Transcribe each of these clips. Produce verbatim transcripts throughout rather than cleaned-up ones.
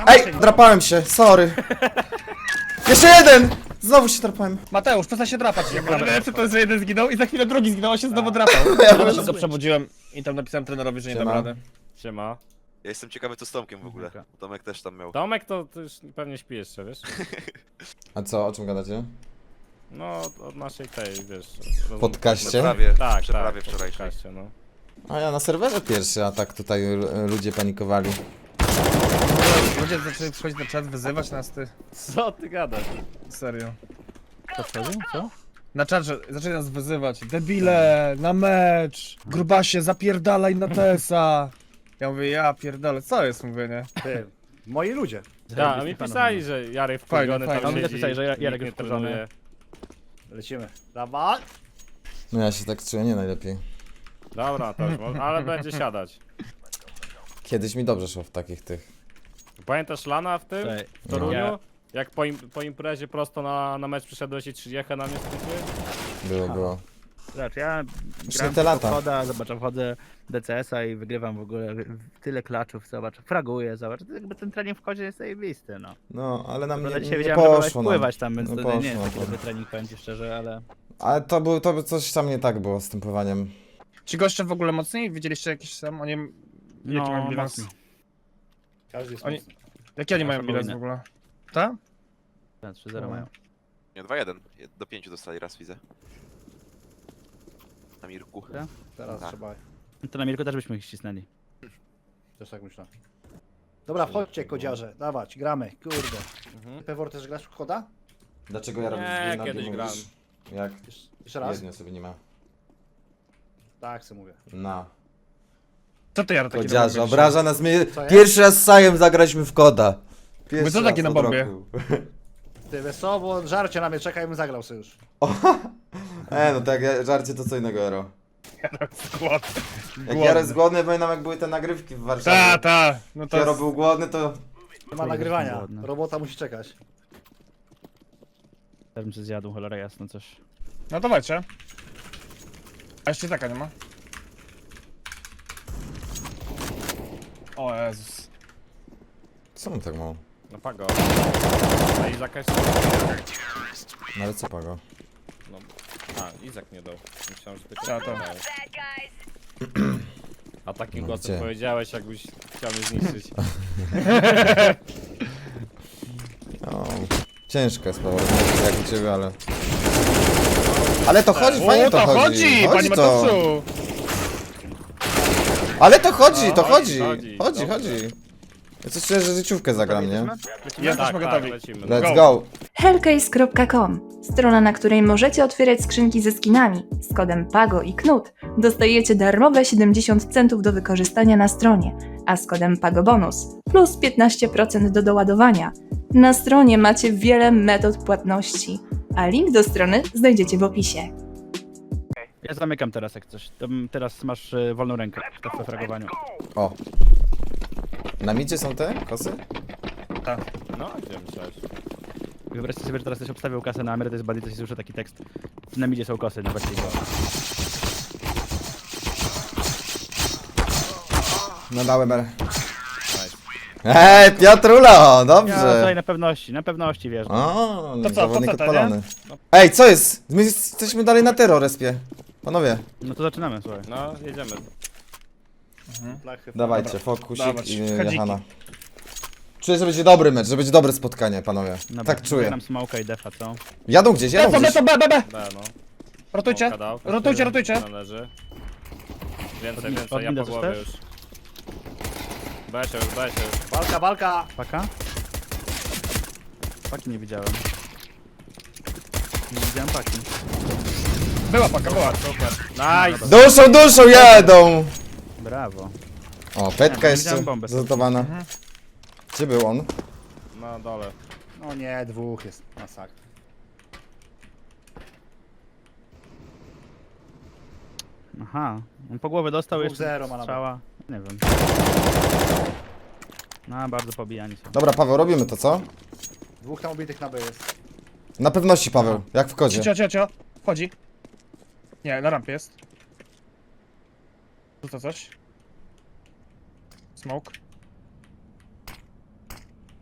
Ej, drapałem się, sorry. Jeszcze jeden! Znowu się drapałem. Mateusz, przestań się drapać. Najlepsze to jest, że jeden zginął i za chwilę drugi zginął, a się znowu drapał. Ja się przebudziłem i tam napisałem trenerowi, że nie dam Siema. rady. Siema. Ja jestem ciekawy co z Tomkiem w ogóle. Dobra. Tomek też tam miał. Tomek to, to już pewnie śpi jeszcze, wiesz? A co, o czym gadacie? No, od, od naszej tej, wiesz... rozmowy- Podcaście? Prawie, Tak, przeprawie tak, wczorajszej. podcaście, no. A ja na serwerze pierwszy, a tak tutaj l- ludzie panikowali. Ludzie zaczęli przychodzić na czat, wyzywać nas, ty. Co ty gadasz? Serio. Co wchodzi? Co? Na czat, że zaczęli nas wyzywać. Debile, na mecz, grubasie, zapierdalaj na Tesa. Ja mówię, ja pierdolę, co jest, mówię, nie? Ty, moi ludzie. Tak, a mi pisali, że Jarek Fajnie, wkurwiony fajnie. tam A mi siedzi, też pisali, że nikt Jarek nie jest wkurzony. trenuje. Lecimy. Dawaj. No ja się tak czuję nie najlepiej. Dobra, to już, mo- ale będzie siadać. Kiedyś mi dobrze szło w takich tych. Pamiętasz Lana w tym? Słuchaj, W Toruniu? ja- Jak po, im, po imprezie prosto na, na mecz przyszedłeś i trzydziechę na mnie skończyłeś? Było, było. Zobacz, ja Jeszcze gram te lata. wchodzę, zobacz, wchodzę D C S a i wygrywam w ogóle tyle klaczów, zobacz, fraguję, zobacz, to jakby ten trening w chodzie jest zajebisty, no. No, ale nam Prawda, nie, dzisiaj nie wiedziałem, że byłeś poszło nam. pływać tam, więc No to poszło, nie jest taki no. dobry trening, powiem ci szczerze, ale... Ale to był, to by coś tam nie tak było z tym pływaniem. Ci goście w ogóle mocniej? Widzieliście jakieś tam, oni... Jaki No, mają bilans? mocno. Każdy jest Oni- mocny. Jaki oni mają Nasze bilans w wojny. ogóle? Ta? Tak, trzy zero mają. Nie, dwa jeden. Do pięciu dostali raz widzę. Na Mirku. Tak? Teraz Tak. trzeba. No to na Mirku też byśmy ich ścisnęli. Też tak myślę. Dobra, wchodźcie kodziarze, dawać, gramy, kurde. Mhm. Pewor też grasz w choda? Dlaczego ja robię Nie, dwie nogi, kiedyś mówisz? grałem. Jak Jesz- Jeszcze raz? jedno sobie nie ma. Tak, co mówię. Na. Co ty, Jaro, taki Kodziarze, na bombie obraża nas mnie. Co jest? Pierwszy raz z Sajem zagraliśmy w koda. Pierwszy co taki raz na od bombie? roku. Ty wesoło, bo żarcie na mnie czeka i bym zagrał sobie już. E, no tak, ja- żarcie to co innego, Jaro. Głodny. Jak Jaro jest głodny, pamiętam jak były te nagrywki w Ta, Warszawie. ta. No Jak Jaro to... był głodny, to... Nie ma Chuj, nagrywania, jestem głodny. robota musi czekać. Też bym się zjadł, cholera jasno, coś. No dawajcie. A jeszcze taka nie ma? O Jezus. Co mu tak mało? No pago. A Izaka jeszcze... No ale co pago? No. A, Izak nie dał. Myślałem, że tylko... Ta, ta. dałeś. A takim No głosem gdzie? powiedziałeś, jakbyś chciał mnie zniszczyć. O, ciężka jest sprawa, jak u ciebie, ale... Ale to chodzi, fajnie O, to to chodzi. chodzi, panie to. Mateuszu! Ale to chodzi, to No, chodzi. chodzi, Chodzi, dobrze. chodzi. Ja coś czuję, że życiówkę zagram, nie? Ja też tak, mogę tak, gotowi. lecimy. Let's Go. go. hellcase kropka com. Strona, na której możecie otwierać skrzynki ze skinami. Z kodem PAGO i KNUT dostajecie darmowe siedemdziesiąt centów do wykorzystania na stronie, a z kodem PAGOBONUS plus piętnaście procent do doładowania. Na stronie macie wiele metod płatności, a link do strony znajdziecie w opisie. Ja zamykam teraz jak coś, to m- teraz masz y, wolną rękę w w fragowaniu. O. Na midzie są te kosy? No, gdzie myślałeś? Wyobraźcie sobie, że teraz ktoś obstawiał kasę na emerytus badi, to się słyszy taki tekst. Na midzie są kosy, no właściwie. No dałem R. Ej, Piotrula, Ja dobrze. tutaj na pewności, na pewności wiesz. O, To co, zawodnik po co to, odpalony. Ej, co jest? My jesteśmy dalej na terrorespie. Panowie, No to zaczynamy, słuchaj. No, jedziemy. Blachy, dawajcie, fokusik Dawać, i chadziki. Jehana. Czuję, że będzie dobry mecz, że będzie dobre spotkanie, panowie. Dobra, Tak czuję. nam smoka i defa, co? Jadą gdzieś, jadą Lecą, gdzieś. lecą, B, B, B! Da, no. Rotujcie, Smoka dał. rotujcie, rotujcie. Należy. Więcej, Od- więcej, od ja mida po coś głowie też? już. Weź się już, weź się już. Walka, walka! Paka? Paki nie widziałem. Nie widziałem paki. Była paka, była. Nice! Duszą, duszą jadą! Brawo. O, petka Nie, jeszcze widziałem bombę. zanotowana. Gdzie był on? Na dole. No nie, dwóch jest, masakra. Aha. On po głowie dostał Dwóch jeszcze zero ma na strzała. Nie wiem. No, bardzo pobijani są. Dobra, Paweł, robimy to, co? Dwóch tam ubitych na B jest. Na pewności, Paweł, jak w kodzie. Cio, cio, cio. Wchodzi. Nie, na rampie jest. Tu to coś. Smoke.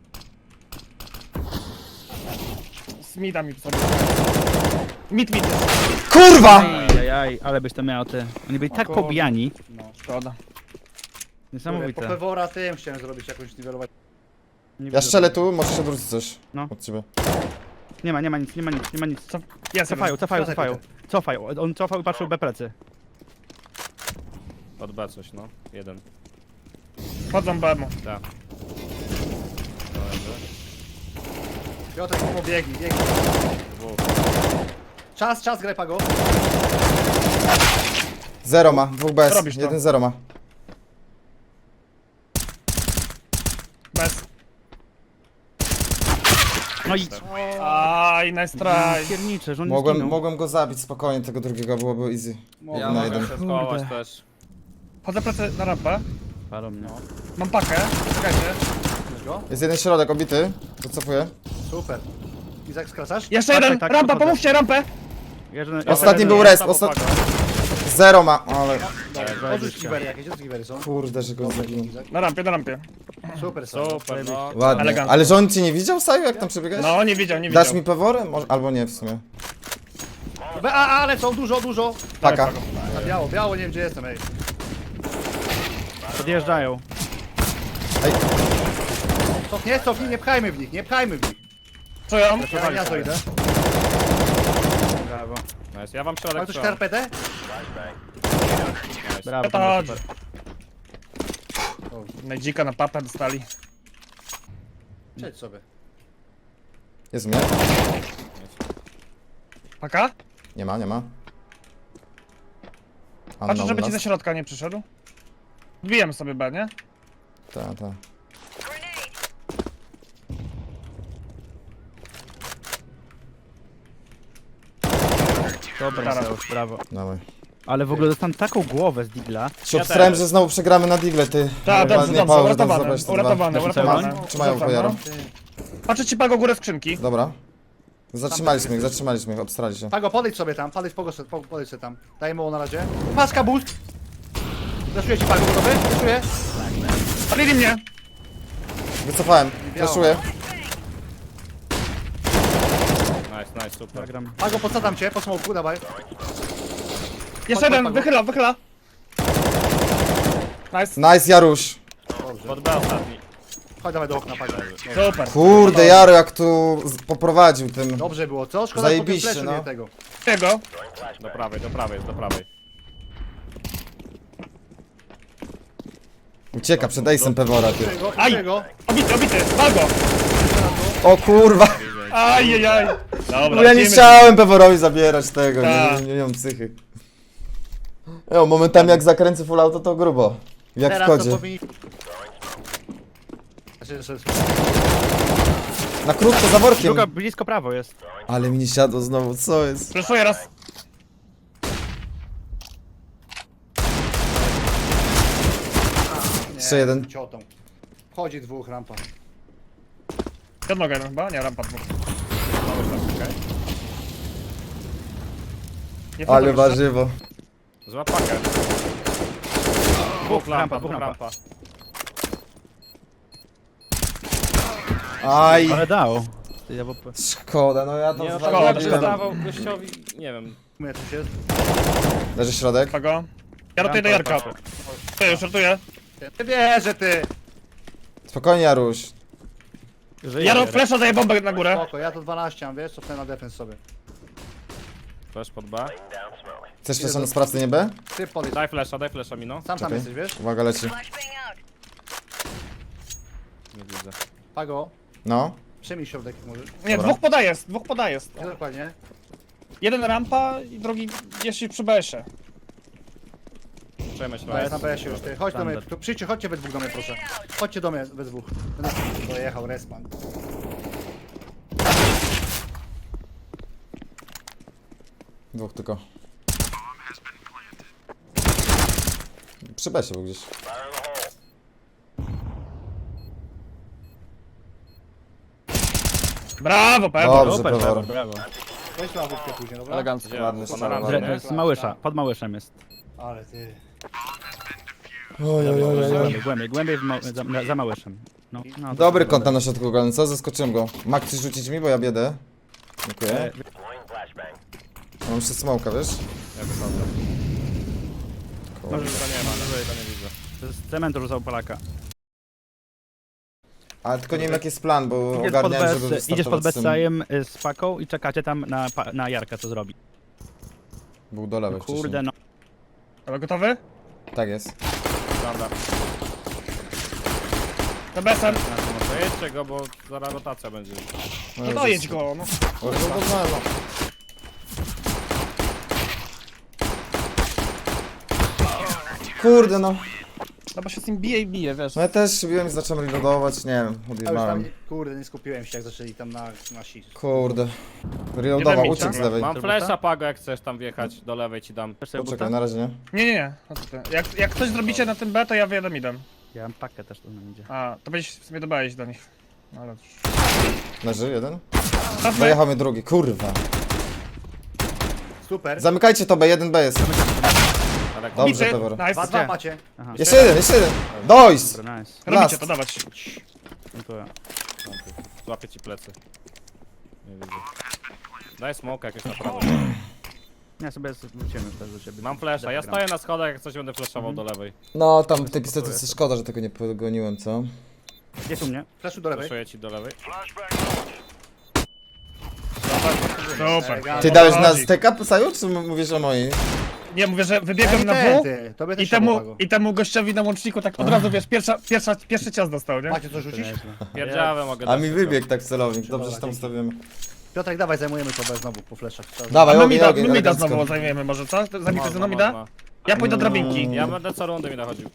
z mida mi sobie. Mit, mit. Kurwa! Ajajaj, ale byś to miał ty. Oni byli tak kurde. pobijani. No, szkoda. Po Niesamowite. pewora tym chciałem zrobić jakąś niwelować. Nie Ja widzę. strzelę tu, możesz się odwrócić coś. No. Od ciebie. Nie ma, nie ma nic, nie ma nic, nie ma nic. Co? Jest Cofają, cofają, Wracaj, cofają. Cofają, on cofał i patrzył B plecy. Od B coś, no. Jeden. Wchodzą B mu. Tak. Piotrek, pomo, biegnij, biegnij. Dwóch. Czas, czas, graj Pago. Zero ma, dwóch bez, Robisz to. jeden zero ma. Bez. No i... Aj, nice try. Piernicze, że on nie Mogłem, zginął. mogłem go zabić spokojnie, tego drugiego byłoby easy. Ja Jeden na mogę jeden. się schować Kurde. też. Chodzę plecy na rampę. Palą mnie. Mam pakę. Czekajcie. Wiesz go? Jest jeden środek obity, wycofuję. Super. Izak, skracasz? Jeszcze Tak, jeden! tak, tak, Rampa, podchodzę. pomóżcie, rampę! Jeden, Ostatni jeden- był res, ostat... Zero ma, ale... Odrzuć giwery jakieś, odrzuć giwery są. Kurde, że go Dobrze, zabiłem. Izak. Na rampie, na rampie. Super, super. Super, no. Ładnie. Elegancko. Ale że on cię nie widział, Saju, jak tam przebiegałeś? No, nie widział, nie widział. Dasz mi pewory? Może... Albo nie w sumie. Be- A, ale są dużo, dużo. Taka. Na biało, biało, nie wiem gdzie jestem, ej. Podjeżdżają. Cofnij, cofnij, nie pchajmy w nich, nie pchajmy w nich. Co ja mam? Ja, ja to idę. Brawo. Nice. Ja wam Mam środek coś strzelam. karpetę? Brawo. To chodź. super. Najdzika na papę dostali. Przejdź sobie. Jest mnie? Paka? Nie ma, nie ma. Patrzę, Unknown żeby ci last. ze środka nie przyszedł. Wbijemy sobie B, nie? Ta, ta. Dobra, Teraz. Mateusz, brawo. Dawaj. Ale w ogóle dostałem taką głowę z digla. Się obstrałem, że znowu przegramy na digle, ty. Tak, dobrze, Ładnie, dobrze, Paweł, uratowane, zabrać te dwa. uratowane, Dobrze, uratowane. Trzymają, trzymają Wracam, pojaro. no. Patrzę ci Pago górę skrzynki. Dobra. Zatrzymaliśmy ich, zatrzymaliśmy ich, obstrali się. Pago, podejdź sobie tam, podejdź, pogo, po- podejdź sobie tam. Daj mu na razie. Paska boost! Zaszuję ci Pago, gotowy? Zaszuję. Palili mnie! Wycofałem, Biało. flashuję. Nice, nice, super. Zagram. Pago, podsadzam cię, po smoku, dawaj. Jeszcze chodź, jeden, Pago. wychyla, wychyla. Nice, Nice, Jaruś. Dobrze. Pod B ostatni. Chodź, dawaj do okna, Pago. super. Kurde, Jaro jak tu z- poprowadził tym. Dobrze było, co? Szkoda, że po tym Zajebiście, flashu no. nie tego. Tego. Do prawej, do prawej, jest do prawej. Ucieka przed Ace'em Pewora, ty. Tego, Aj! tego. Obity, obity, Pago! O kurwa. Ajajaj. Dobra, No ja nie lecimy. chciałem Peworowi zabierać tego, Ta. nie, nie, nie mam psychy. Jo, momentami jak zakręcę full auto to grubo. Jak w Teraz to kodzie. powinni... Znaczy, że- Na krótko za workiem. Druga blisko prawo jest. Ale mi nie siadło znowu, co jest? Przeszuję raz. Nie, Jeszcze jeden. Ciotą. Chodzi dwóch, rampa. Jedno jeden chyba? Nie, rampa dwóch. Nie wchodzą Ale jeszcze. warzywo. Złap pakę. Dwóch lampa, dwóch rampa. lampa. Aj, Ale dał. Ty, ja bo... szkoda, no ja to Nie no, szkoda, tak szkoda. dawał gościowi, nie wiem. Mnie coś jest. Leży środek. Pago. Ja rotuję do Rampa, Jarka. Ty, już rotuję. Nie wierzę, ty! Spokojnie, Jaruś. Żyje. Ja flesza daję bombę na górę. Spoko, ja to dwanaście mam, wiesz, cofnę na defens sobie. Flash pod B. Chcesz jeszcze na sprawcy nie B? Ty podejdź. Daj flasha, daj flasha mi no. Sam tam Czekaj. jesteś, wiesz? Uwaga, leci. Nie widzę. Pago, No. przyjmij środek, jak możesz. Nie, Dobra. dwóch podaję, dwóch podaję. Nie, dokładnie. Jeden rampa i drugi jeśli przy B S-ie. Przejmę się To jest na raz. B S już, ty. Chodź do mnie, Standard. tu przyjdźcie, chodźcie we dwóch do mnie, proszę. Chodźcie do mnie we dwóch. Będę dojechał, respawn. Dwóch tylko. Przy B się był gdzieś. Brawo, Pewor. Dobrze, Super, Pewor. brawo. Weź na łówkę później, dobra? Elegancko. Ładny Gdzie? strzał, Na ładny. rampie, Z Małysza, pod Małyszem jest. Ale ty. Oj, oj, oj, oj, oj. Głębiej, głębiej, głębiej w ma za, za Małyszem. No, no, to Dobry to kąt na środku golem, co? Zaskoczyłem go. Mak, chcesz rzucić mi, bo ja biedę. Dziękuję. Mam jeszcze smoka, wiesz? Ja wychodzę. Kurde. Może to nie ma, no to nie widzę. To jest cement rzucał Polaka. Ale tylko nie wiem jaki jest plan, bo Idziesz pod, ogarniałem, żeby bez, idziesz pod wystartować z tym. Betsajem y, z paką i czekacie tam na, pa- na Jarka, co zrobi. Był do lewej Kurde wcześniej. no. Ale gotowy? Tak jest. Dobra. To besem. To jedźcie go, bo zaraz rotacja będzie. No dojedź go, no. O, no, no, no, no. Kurde no. No bo się z nim bije i bije, wiesz. No ja też biłem i zacząłem reloadować, nie wiem, Ja już tam, odjebałem. nie- kurde, nie skupiłem się jak zaczęli tam na, na si. Kurde. Reloadował, Jeden uciekł mieć, z tak? lewej. Mam Turbusa? flesza, Pago, jak chcesz tam wjechać, do lewej ci dam. Chcesz sobie busta? Poczekaj, na razie nie. Nie, nie, nie. No co ty. Jak, jak coś zrobicie na tym B, to ja wyjadę midem. Ja mam pakę też, tu nam idzie. A, to będziesz w sumie dobałeś do nich. No ale... Leży jeden? Cofnę. Dojechał mnie drugi, kurwa. Super. Zamykajcie to B, jeden B jest. Ale Dobrze, Bity. Pewor. Nice. Dwa, dwa macie. Aha. Jeszcze jeden, jeszcze jeden. Dojść! Dobra, nice. Robicie Last. to, dawać. Dziękuję. złapię ci plecy. Nie widzę. Daj smoke jakieś naprawdę. Ja sobie z- wróciłem już też do ciebie. Mam flesza, ja Gram. stoję na schodach, jak coś będę flashował do lewej. No, tam w tej pistolce szkoda, że tego nie pogoniłem, co? Jest u mnie. Flashu do lewej. Flashuję ci do lewej. Super. Elegancko. Ty dałeś na Chodzi. steka, Saju, czy m- mówisz o mojej? Nie, mówię, że wybiegłem na Ten, W ty, tobie też i temu, trzeba go. i temu gościowi na łączniku tak od razu, wiesz, pierwsza, pierwsza, pierwszy cios dostał, nie? Macie co rzucić? Pierdziałem mogę A dać mi tylko. wybiegł tak w celownik, dobrze, Dobra, że tam dzięki. stawimy. Piotrek, dawaj, zajmujemy to bez znowu po fleszach. Trzeba- Dawaj, A my ogień, mida, ogień, my mida elegancko. znowu zajmiemy może, co? Zabity Można, ze mną mida? można. Ja pójdę do drabinki. Mm. Ja będę co rundę mi nachodził.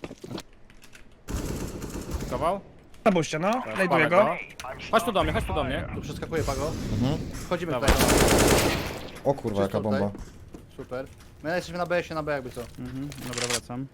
Kował? Zabuźcie, no. Znajduję Palę go. Chodź tu do mnie, chodź tu do mnie. Tu przeskakuje Pago. Mhm. Wchodzimy Dawaj. tutaj. O kurwa, jaka Czysto tutaj. bomba. Super. My jesteśmy na B, się na B jakby co. Mhm, dobra, wracam.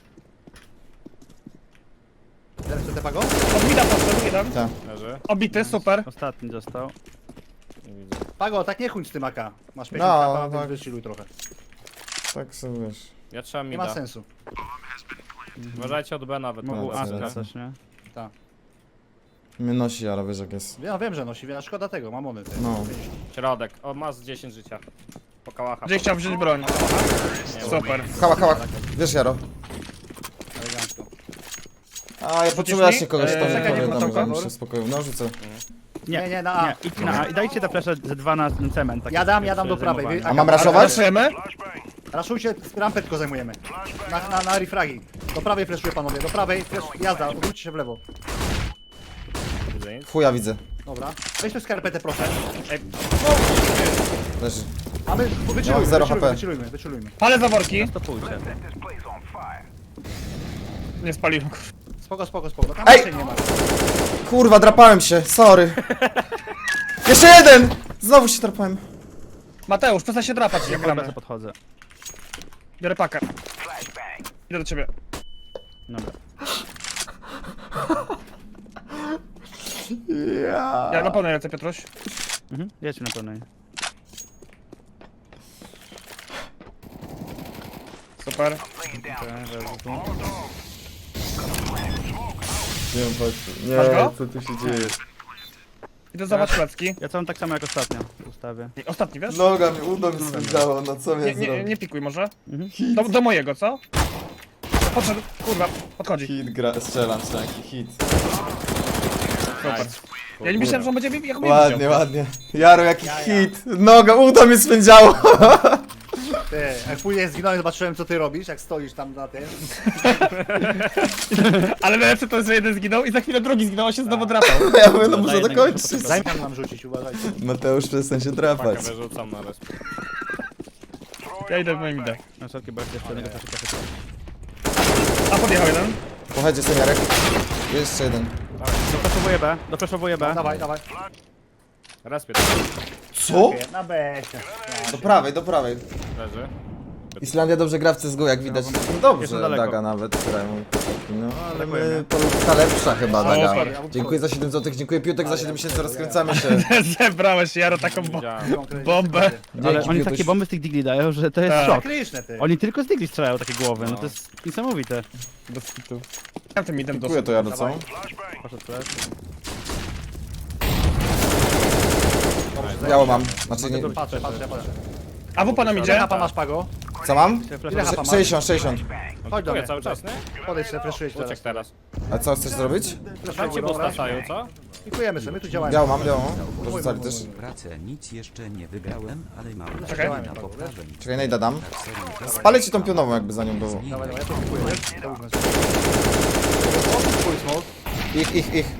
Teraz chcę Pago? Od mida poszedł, jeden. Tak. Leży. Obity, super. Ostatni został. Nie widzę. Pago, tak nie chuń z tym A K. Masz pięć No, no, tak. tak. Wychilluj trochę. Tak sobie wiesz. Ja trzymam Nie ma mida. sensu. Uważajcie od B nawet. Mógł No, A dobra. skracać, nie? Tak. Mnie nosi, ale wiesz jak jest. Ja wiem, że nosi, a szkoda tego, mamony. Te. No. Środek. O, ma z dziesięć życia. Po kałacha. Gdzie chciał wziąć broń. Super. Hała, hała. Wiesz, Jaro. Elegancko. A, ja potrzebuję mi? właśnie kogoś, Eee, kto mi czekaj, powie, nie tam, ma żebym tam się uspokoił. No, rzucę. Nie, nie, na A. Nie, idź na A i dajcie te flesze ze dwa na ten cement. taki Ja dam, ja pierwszy dam do prawej. zajmowanie. Wy- A mam Ale- raszować? Raszujemy? Raszujcie, rampę tylko zajmujemy. Na, na, na refragi. Do prawej fleszuję panowie, do prawej, flash, jazda, odwróćcie się w lewo. Widzę nic. Chuja widzę. Dobra. Weź tu skarpetę proszę. Leży. A my wyczulujmy, zero wyczulujmy, H P. wyczulujmy, wyczulujmy. Palę zaworki. Stopujcie. Nie spaliłem. Spoko, spoko, spoko. Tam Ej! raczej nie ma. Kurwa, drapałem się, sorry. Jeszcze jeden! Znowu się drapałem. Mateusz, przestań się drapać, jak Ja gramy. bardzo podchodzę. Biorę pakę. Idę do ciebie. Dobra. Ja. Ja na pewno lecę, Piotruś. Mhm, jedźmy na pełnej. Super. Nie, Masz go? co tu się dzieje? Idę zobacz plecki. Ja całą tak samo jak ostatnio ustawię. I ostatni, wiesz? Noga mi, udo mi spędzało, no co Nie, mnie nie, zrobił? nie pikuj może. Mhm. Do, do mojego, co? Podszedł, kurwa, podchodzi. Hit gra, strzelam, strzelam, hit. Super. Ja nie myślałem, że on będzie mi jak mnie Ładnie, widział. ładnie. Jaro, jaki hit. Noga, udo mi spędzało. Ty, jak później zginąłem, zobaczyłem co ty robisz, jak stoisz tam na tym. Ale najlepsze to jest, że jeden zginął i za chwilę drugi zginął, a się znowu drapał. Ja mówię, no muszę jednego dokończyć. Zajmę nam rzucić, uważajcie. Mateusz, przestań się drapać. Pakę wyrzucam na resp. Ja idę w moim idę. Na wszelki bo jeszcze jednego fleszyka chyba. A podjechał jeden. Pochodźcie, seniorek. Jeszcze jeden. Dopraszowuję B, dopraszowuję B. Dawaj, dawaj. Respie Co? Na B. Do prawej, do prawej. leży. Islandia dobrze gra w C S G O, jak widać. Jestem Dobrze, daleko. Daga nawet, która mój no ale Dziękuję, my, nie? to ta lepsza chyba, Daga. Super. Dziękuję za siedem złotych, dziękuję Piutek za siedem miesięcy, rozkręcamy się. Zebrałeś, Jaro, taką bo... Widziałem. Bombę. Ale Dzięki, oni Piutuś. takie bomby z tych digli dają, że to jest Tak. szok. Kryszne ty. Oni tylko z digli strzelają takie głowy, no to jest niesamowite. Bez kitu. Ja tym idem Dziękuję dosyć. to, Jaro, co? Poszedł flash. Biało mam. Znaczy nie... Patrzę, patrzę, patrzę. A w panam Ile idzie? hapa masz, Pago? Co mam? Ile hapa masz? sześćdziesiąt, sześćdziesiąt. Chodź do Dziękuję mnie. cały czas, nie? Podejdź sobie, freshuję ci Uciek teraz. teraz. A co chcesz zrobić? Tam ci postacają, co? Pikujemy sobie, my tu działamy. Biało mam, białą. Dorzucali też. Pracę nic jeszcze nie wygrałem, ale mam Czekaj. nadzieję na poprawę. Czekaj, najda dam. Spalę ci tą pionową, jakby za nią było. Dawaj, dawaj, ja to pikuję, wiesz? To ufam sobie. Pikuj smoke. Ich, ich, ich.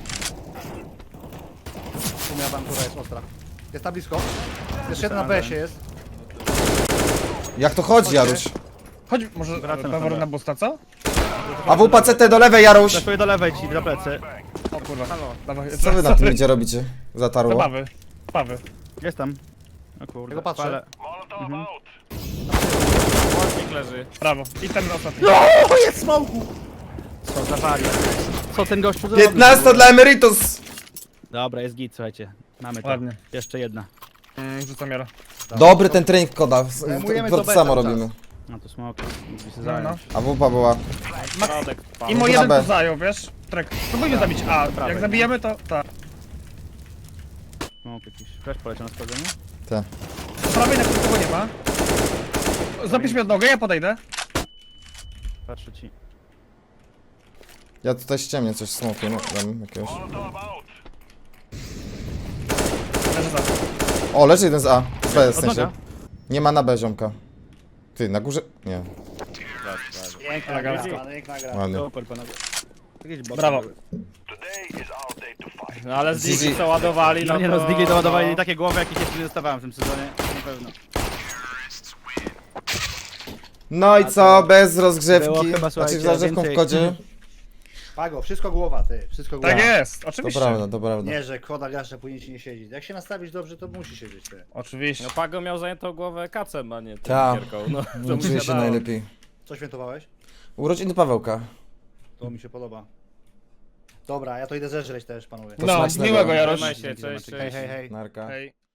Tu moja bantura jest ostra. Jest na blisko. Jeszcze jeden na B S-ie jest. Jak to chodzi, Jaruś? Chodź, może Wracam Pewor na na busta, co? A W P C T do lewej, Jaruś! Zaszuję do lewej ci, do plecy. O kurwa, dawaj. Co wy na tym idzie robicie? Zatarło. Zabawy, zabawy. Jest tam. O kurde. Tego patrzę. ale- Łącznik leży. Brawo. I ten ostatni. O, jest smoku! Co za wariat. Co ten gościu zrobił? piętnaście dla Emeritus! Dobra, jest git, słuchajcie. Mamy to. Ładnie. Jeszcze jedna. Mm, rzucam jara. Dobry ten trening koda. Zajmujemy To to to samo cały robimy. No to smoke. Mógłby się No, zająć. no. A W P była. Środek. I pan. mo na jeden B. to zajął, wiesz? Trek. Spróbujmy zabić A. Jak zabijemy to... Tak. Smoke jakiś. Flash poleciał na schodzeniu. Te. Po prawej na kogo nie ma. Zapisz mi od nogę, ja podejdę. Patrzę ci. Ja tutaj ściemnię coś smokiem, no, dam jakiegoś. Leży za. O, leży jeden z A. Z B w sensie. Odnoga. Nie ma na B ziomka. Ty, na górze? Nie. Piękna Elegancko. gra, piękna gra. Ładnie. Super panowie. Jakieś boty Brawo. były. No ale z G G. Digi co ładowali, No no nie to... no, z Digi doładowali takie głowy, jakich jeszcze nie dostawałem w tym sezonie. Na pewno. No i co, bez Było rozgrzewki. chyba, Znaczy z słuchajcie, rozgrzewką w więcej- kodzie. Pago, wszystko głowa, ty. Wszystko głowa. Tak jest, To oczywiście. prawda, to prawda. Nie, że koda gracza powinien ci nie siedzieć. Jak się nastawisz dobrze, to musi siedzieć, ty. Oczywiście. No Pago miał zajętą głowę kacem, a nie Ta. tym gierką. No, to No, mu czuję się dało. najlepiej. Co świętowałeś? Urodziny Pawełka. To mi się podoba. Dobra, ja to idę zeżreć też, panowie. To No, smacznego. miłego Jarosz. Trzymaj się, cześć, Hej, cześć. hej, hej. Narka. Hej.